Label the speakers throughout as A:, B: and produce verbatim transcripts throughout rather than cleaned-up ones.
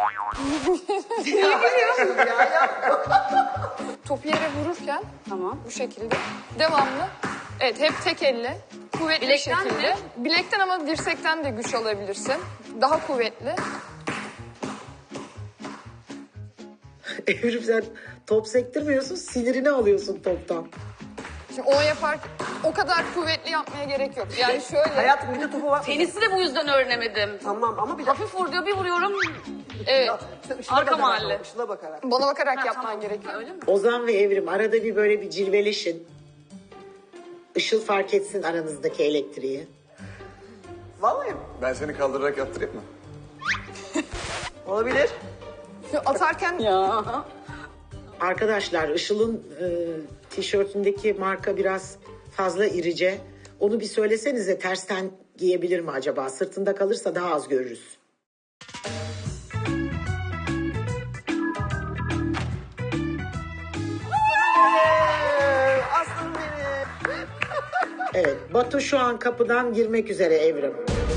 A: Niye gülüyorsun ya? Ya.
B: Topu yere vururken
A: Tamam.
B: bu şekilde devamlı. Evet, hep tek elle. Kuvvetli
A: Bilekten
B: bir şekilde.
A: mi?
B: Bilekten ama dirsekten de güç alabilirsin. Daha kuvvetli.
C: Evrim sen top sektirmiyorsun, sinirini alıyorsun toptan.
B: Şimdi onu yapar, o kadar kuvvetli yapmaya gerek yok. Yani şöyle.
D: Hayatım bir de topu var.
A: Tenisi de bu yüzden öğrenemedim.
D: Tamam ama bir de...
A: Hafif vur diyor, bir vuruyorum.
B: Evet,
D: İşte ışına
A: Arka
D: bakarak,
A: mahalle.
D: Işına bakarak.
B: bana bakarak
A: Ha,
B: yapman
A: tamam.
B: gerekiyor.
A: Öyle mi?
C: Ozan ve Evrim arada bir böyle bir cilveleşin. Işıl fark etsin aranızdaki elektriği.
D: Vallahi
E: Ben seni kaldırarak yaptırayım mı?
D: olabilir.
B: Şu atarken
A: Ya.
C: Arkadaşlar Işıl'ın e, tişörtündeki marka biraz fazla irice. Onu bir söylesenize, tersten giyebilir mi acaba? Sırtında kalırsa daha az görürüz.
D: Ee, aslanım benim.
C: Evet, Batu şu an kapıdan girmek üzere Evrim.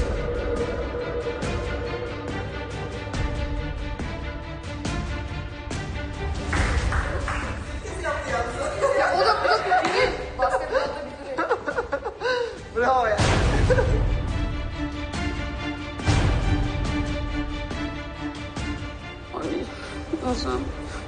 B: ya o da bu da biri. Basketbolda bir biri.
D: Bravo ya.
A: Ay, Ozan.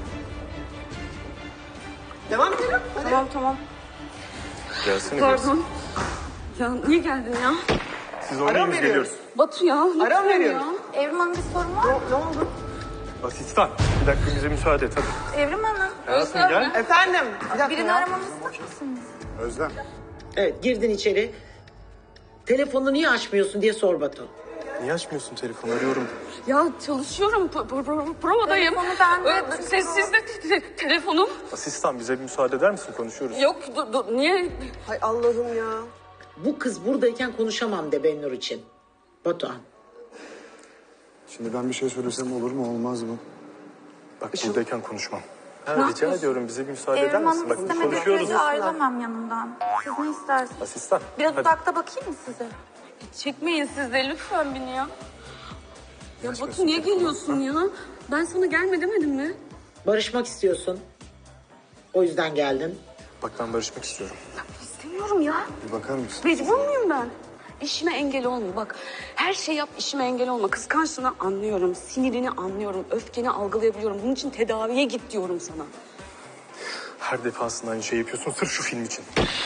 D: Devam edelim. Hadi.
A: Tamam tamam.
E: Gelsene biraz.
A: Pardon. Ya niye geldin ya?
E: Siz
D: Ara
E: oynayın
D: mı
E: biz
D: veriyoruz?
E: geliyoruz.
A: Batu ya.
D: Ara mı
A: lütfen
D: veriyoruz?
A: ya.
F: Evrim Hanım bir sorun var mı?
D: Ne, ne oldu?
E: Asistan. Bir dakika bize müsaade et hadi.
F: Evrim Hanım,
E: Hayatım
A: Özlem
E: gel.
A: mi?
D: Efendim. Bir dakika
F: birini
D: ya.
F: aramamı ister misiniz?
E: Özlem.
C: Evet, girdin içeri. Telefonu niye açmıyorsun diye sor Batu.
E: Niye açmıyorsun telefonu? Arıyorum.
A: Ya çalışıyorum. P- p- p- provadayım.
F: Telefonu bende.
A: Ö- Sessizde te- te- telefonum.
E: Asistan bize bir müsaade eder misin? Konuşuyoruz.
A: Yok dur, dur. Niye?
D: Hay Allah'ım ya.
C: Bu kız buradayken konuşamam de Bennur için. Batuhan.
G: Şimdi ben bir şey söylesem olur mu olmaz mı?
E: Bak buradayken konuşmam. Ha, rica ediyorum bize bir müsaade eder
F: Evrim
E: misin?
F: Hanım
E: Bak
F: istemediği
E: konuşuyoruz.
F: sürece ayrılamam yanımdan. Siz ne istersiniz?
E: Asistan.
F: Biraz
E: hadi.
F: uzakta bakayım mı size?
A: Çekmeyin siz de lütfen beni ya. Ya Batu niye geliyorsun ya? Ben sana gelme demedim mi?
C: Barışmak istiyorsun. O yüzden geldin.
E: Bak ben barışmak istiyorum.
A: İstemiyorum ya.
G: Bir bakar mısın?
A: Mecbur muyum ben? İşime engel olma bak. Her şey yap işime engel olma. Kıskançlığını anlıyorum. Sinirini anlıyorum. Öfkeni algılayabiliyorum. Bunun için tedaviye git diyorum sana.
E: Her defasında aynı şey yapıyorsun sırf şu film için.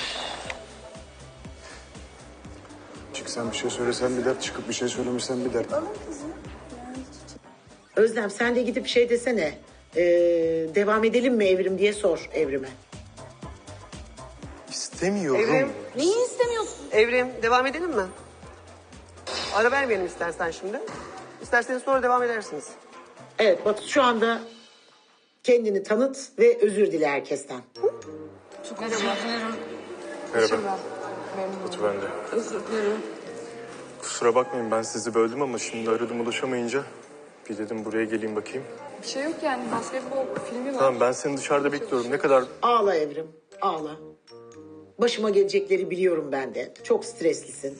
G: Çıksan bir şey söylesen bir dert, çıkıp bir şey söylemişsen bir dert.
C: Özlem sen de gidip şey desene. Ee, devam edelim mi Evrim diye sor Evrim'e.
E: İstemiyorum.
D: Evrim.
A: Neyi istemiyorsun?
D: Evrim devam edelim mi? Ara vermeyelim istersen şimdi. İsterseniz sonra devam edersiniz.
C: Evet Batu şu anda kendini tanıt ve özür dile herkesten.
A: Çok özür dilerim.
E: Merhaba. Batu ben de.
A: Özür dilerim.
E: Kusura bakmayın ben sizi böldüm ama şimdi aradım ulaşamayınca bir dedim buraya geleyim bakayım.
B: Bir şey yok yani, basketbol filmi var.
E: Tamam ben seni dışarıda bekliyorum. Ne kadar
C: Ağla Evrim, ağla. Başıma gelecekleri biliyorum ben de. Çok streslisin.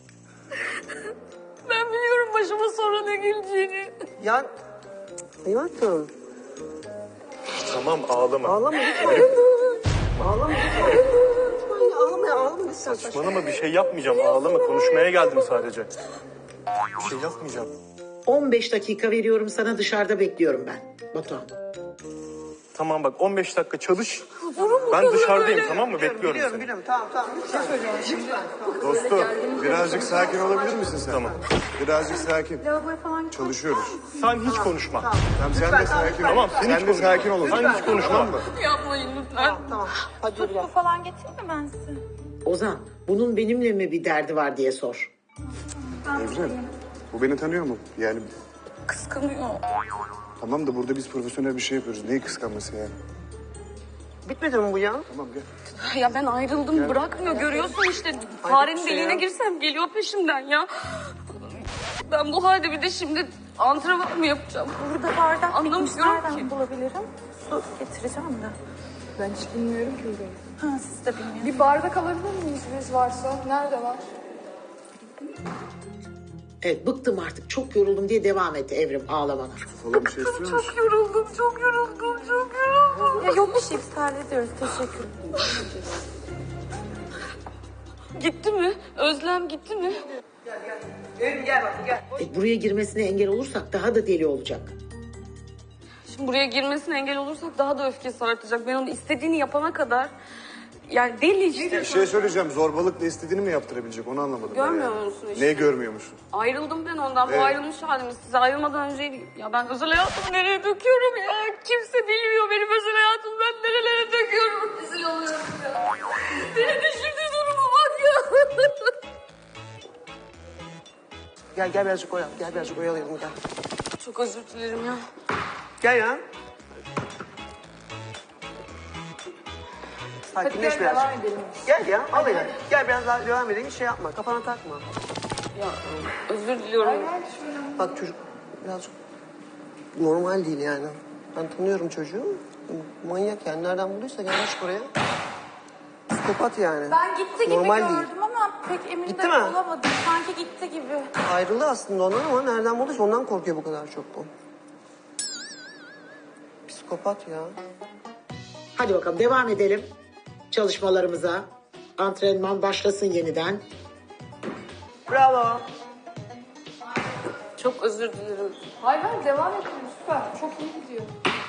A: Ben biliyorum başıma sonra ne geleceğini.
D: Ya hayatım.
E: tamam ağlama.
D: Ağlama lütfen. Ağlama lütfen. Lütfen ya, ağlama ya, ağlama lütfen.
E: Saçmalama bir şey yapmayacağım. Ağlama konuşmaya geldim sadece. Bir şey yapmayacağım.
C: on beş dakika veriyorum sana, dışarıda bekliyorum ben. Batuhan.
E: Tamam bak on beş dakika çalış. Ben dışarıdayım tamam mı? Bekliyorum
D: Biliyorum
E: seni.
D: biliyorum tamam tamam. Lütfen.
G: Dostum birazcık sakin olabilir misin sen?
E: Tamam.
G: Birazcık sakin.
F: Lavaboya falan gitmek
G: Çalışıyoruz.
E: Sen hiç konuşma.
G: Tamam sen
D: Lütfen,
G: de
D: tamam,
G: sakin ol.
E: Tamam sen hiç
G: Sen de
E: konuşma.
G: sakin ol.
E: Sen hiç konuşma.
G: Tamam mı?
A: Yapmayın lütfen.
D: Tamam tamam. Hadi yürü.
F: Su falan getireyim mi ben size?
C: Ozan, bunun benimle mi bir derdi var diye sor.
G: Evren bu beni tanıyor mu? Yani
A: Kıskanıyor.
G: tamam da burada biz profesyonel bir şey yapıyoruz. Neyi kıskanması yani?
D: Bitmedi mi bu ya?
G: Tamam gel.
A: Ya ben ayrıldım bırakmıyor görüyorsun işte. Farenin
D: şey
A: deliğine
D: ya.
A: girsem geliyor peşimden ya. Ben bu halde bir de şimdi antrenman mı yapacağım?
F: Burada bardak bitmiş.
A: Anlamıyorum
F: Nereden
A: ki.
F: bulabilirim? Su getireceğim de.
B: Ben hiç bilmiyorum ki burayı.
F: Ha siz de bilmiyorsunuz.
B: Bir bardak alabilir miyiz biz varsa? Nerede var?
C: Evet, bıktım artık, çok yoruldum diye devam etti Evrim ağlamana.
G: Falan bir şey istiyor musun?
F: Çok yoruldum, çok yoruldum, çok yoruldum. Ya yok bir şey, biz hallediyoruz. Teşekkür ederim.
A: Gitti mi? Özlem gitti mi?
D: Evrim gel bak gel.
C: E, buraya girmesine engel olursak daha da deli olacak.
A: Şimdi buraya girmesine engel olursak daha da öfkesi artacak. Ben onu istediğini yapana kadar... Yani deli işte.
G: Bir şey söyleyeceğim. Zorbalıkla istediğini mi yaptırabilecek? Onu anlamadım. ben
A: Görmüyor
G: yani.
A: musun işte?
G: Neyi görmüyor musun?
A: Ayrıldım ben ondan. Bu
G: Evet.
A: ayrılmış halimiz. Size ayrılmadan önceydi. Ya ben özel hayatımı nereye döküyorum ya? Kimse bilmiyor benim özel hayatımı ben nerelere döküyorum. Rezil oluyorum ya. Beni de şimdi duruma bak ya.
D: Gel gel birazcık oyalayalım. Gel birazcık oyalayalım gel.
A: Çok özür dilerim ya.
D: Gel ya. Sakinleş birazcık. Gel ya al beni. Gel biraz daha devam edelim. Hiç şey yapma. Kafana takma.
A: Ya özür diliyorum.
D: Bak çocuk birazcık normal değil yani. Ben tanıyorum çocuğu. Manyak yani. Nereden bulduysa gelmiş buraya. Psikopat yani.
F: Ben gitti gibi
D: Normal
F: gördüm
D: değil.
F: ama pek emin
D: Gitti
F: de
D: mi?
F: olamadım. Sanki gitti gibi.
D: Ayrıldı aslında ondan ama nereden bulduysa ondan korkuyor bu kadar çok bu. Psikopat ya.
C: Hadi bakalım devam edelim çalışmalarımıza. Antrenman başlasın yeniden.
D: Bravo.
A: Çok özür dilerim.
B: Hayır hayır devam edin süper. Çok iyi gidiyor.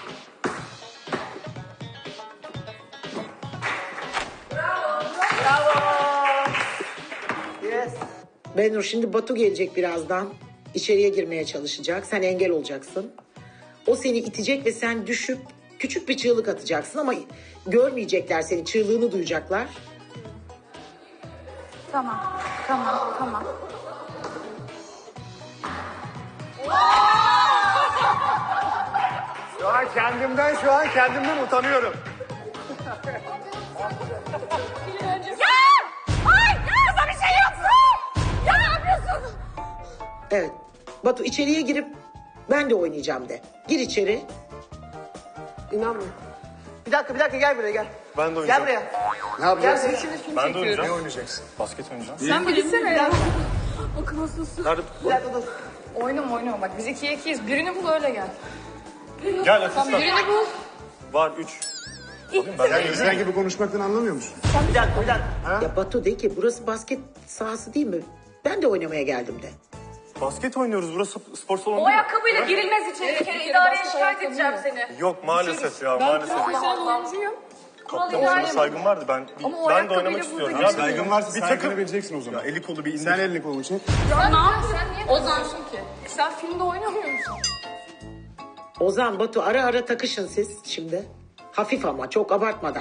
D: Yes.
C: Benur, şimdi Batu gelecek birazdan. İçeriye girmeye çalışacak. Sen engel olacaksın. O seni itecek ve sen düşüp küçük bir çığlık atacaksın ama görmeyecekler seni. Çığlığını duyacaklar.
F: Tamam, tamam, tamam.
G: Şu an kendimden, şu an kendimden utanıyorum.
C: Evet. Batu içeriye girip ben de oynayacağım de. Gir içeri.
D: İnanmıyorum. Bir dakika bir dakika gel buraya gel.
E: Ben de
D: Gel
E: oynayacağım.
D: buraya.
G: Ne
D: Gel
G: yapacaksın?
D: seni şimdi film
E: Ben de
D: çekiyorum.
E: oynayacağım.
G: Ne oynayacaksın?
E: Basket oynayacağım.
B: Sen bilsene ya.
E: Nerede?
D: Bir dakika dur.
B: Oynama oynama bak biz ikiye ikiyiz. Birini bul öyle gel.
E: Gel asistan.
B: Birini bul.
E: Var üç.
G: Sen bizden gibi konuşmaktan anlamıyor musun?
D: Bir dakika bir dakika.
C: Ya Batu de ki burası basket sahası değil mi? Ben de oynamaya geldim de.
E: Basket oynuyoruz. Burası spor salonu
A: O
E: değil mi?
A: ayakkabıyla girilmez içeri. Bir kere idareye şikayet edeceğim seni.
E: Yok maalesef ya maalesef.
B: Profesyonel oyuncuyum.
E: Kaptan sana saygım vardı. Ben
B: Ama o
E: ben de
B: ayakkabıyla
E: oynamak
B: burada
E: istiyorum.
B: giremez.
E: Ya
G: Saygın varsa
E: bir
G: saygını
E: takım.
G: vereceksin o zaman.
E: Ya eli kolu bir indir.
G: Sen elini kolunu çek.
B: Sen ne yapıyorsun? Sen niye kızıyorsun ki? Sen filmde oynamıyor musun?
C: Ozan, Batu ara ara takışın siz şimdi. Hafif ama çok abartmadan.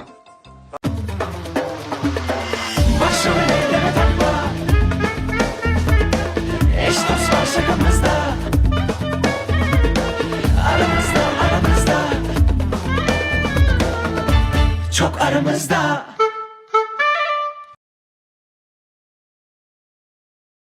H: Başımı elleme takma. Eş dost var şakamızda. Aramızda aramızda. Çok aramızda.